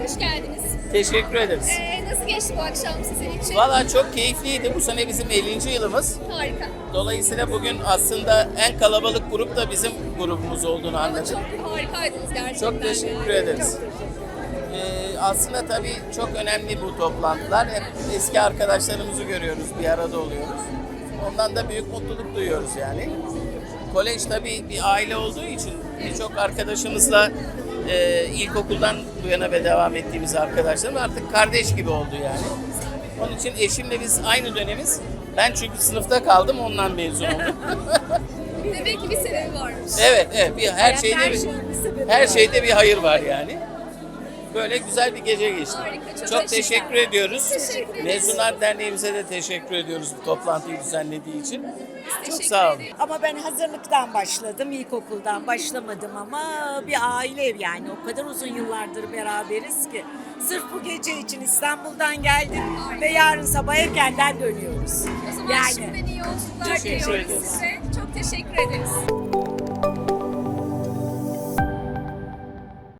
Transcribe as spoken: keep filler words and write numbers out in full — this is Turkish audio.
hoş geldiniz. Teşekkür ederiz. Ee, nasıl geçti bu akşam sizin için? Valla çok keyifliydi. Bu sene bizim ellinci yılımız. Harika. Dolayısıyla bugün aslında en kalabalık grup da bizim grubumuz olduğunu Ama anladım. çok harikaydınız gerçekten. Çok teşekkür yani. ederiz. Ee, aslında tabii çok önemli bu toplantılar. Hep eski arkadaşlarımızı görüyoruz, bir arada oluyoruz. Ondan da büyük mutluluk duyuyoruz yani. Kolej tabii bir aile olduğu için birçok arkadaşımızla e, ilkokuldan bu yana ve devam ettiğimiz arkadaşlarım artık kardeş gibi oldu yani. Onun için eşimle biz aynı dönemiz. Ben çünkü sınıfta kaldım, ondan mezun oldum. Demek ki bir sebebi varmış. Evet, evet. Bir, her şeyde her bir, şeyin bir sebebi her var. şeyde bir hayır var yani. Böyle güzel bir gece geçti. Harika, çok çok teşekkür teşekkür ediyoruz. Teşekkür ederiz. Mezunlar Derneğimize de teşekkür ediyoruz bu toplantıyı düzenlediği için. Çok Teşekkür sağ olun. ederiz. Ama ben hazırlıktan başladım, ilkokuldan başlamadım ama bir aile ev yani. O kadar uzun yıllardır beraberiz ki. Sırf bu gece için İstanbul'dan geldik ve yarın sabah erkenden dönüyoruz. O zaman Yani şimdiden iyi yolculuklar Teşekkür diliyoruz ederiz. size. Çok teşekkür ederiz.